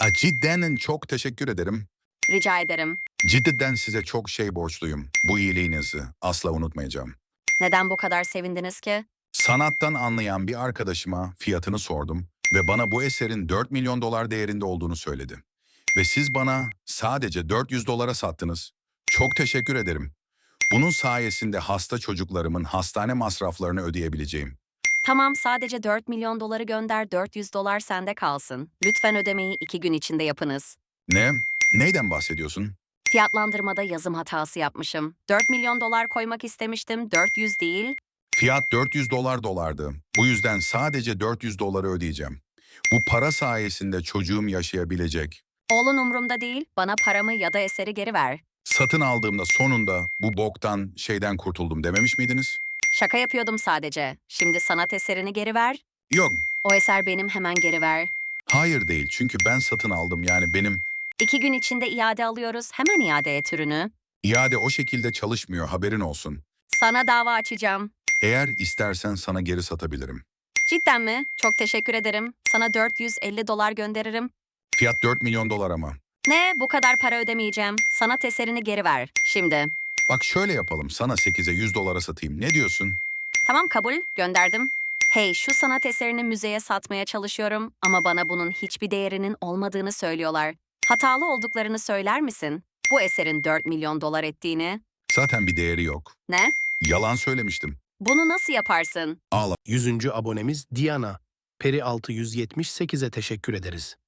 Cidden çok teşekkür ederim. Rica ederim. Cidden size çok şey borçluyum. Bu iyiliğinizi asla unutmayacağım. Neden bu kadar sevindiniz ki? Sanattan anlayan bir arkadaşıma fiyatını sordum ve bana bu eserin 4 milyon dolar değerinde olduğunu söyledi. Ve siz bana sadece 400 dolara sattınız. Çok teşekkür ederim. Bunun sayesinde hasta çocuklarımın hastane masraflarını ödeyebileceğim. Tamam, sadece 4 milyon doları gönder, 400 dolar sende kalsın. Lütfen ödemeyi 2 gün içinde yapınız. Ne? Neyden bahsediyorsun? Fiyatlandırmada yazım hatası yapmışım. 4 milyon dolar koymak istemiştim, 400 değil. Fiyat 400 dolardı. Bu yüzden sadece 400 doları ödeyeceğim. Bu para sayesinde çocuğum yaşayabilecek. Oğlun umurumda değil, bana paramı ya da eseri geri ver. Satın aldığımda sonunda bu boktan şeyden kurtuldum dememiş miydiniz? Şaka yapıyordum sadece. Şimdi sanat eserini geri ver. Yok, O eser benim, hemen geri ver. hayır değil çünkü ben satın aldım yani benim 2 gün içinde iade alıyoruz, hemen iade et ürünü. iade o şekilde çalışmıyor haberin olsun. Sana dava açacağım. Eğer istersen sana geri satabilirim. Cidden mi? Çok teşekkür ederim. Sana 450 dolar gönderirim. Fiyat 4 milyon dolar ama. Ne? Bu kadar para ödemeyeceğim. Sanat eserini geri ver. Şimdi. Bak şöyle yapalım sana 8'e 100 dolara satayım ne diyorsun? Tamam, kabul. Gönderdim. Hey, şu sanat eserini müzeye satmaya çalışıyorum ama bana bunun hiçbir değerinin olmadığını söylüyorlar. Hatalı olduklarını söyler misin? Bu eserin 4 milyon dolar ettiğini. Zaten bir değeri yok. Ne? Yalan söylemiştim. Bunu nasıl yaparsın? Ağla. 100. abonemiz Diana. Peri 678'e teşekkür ederiz.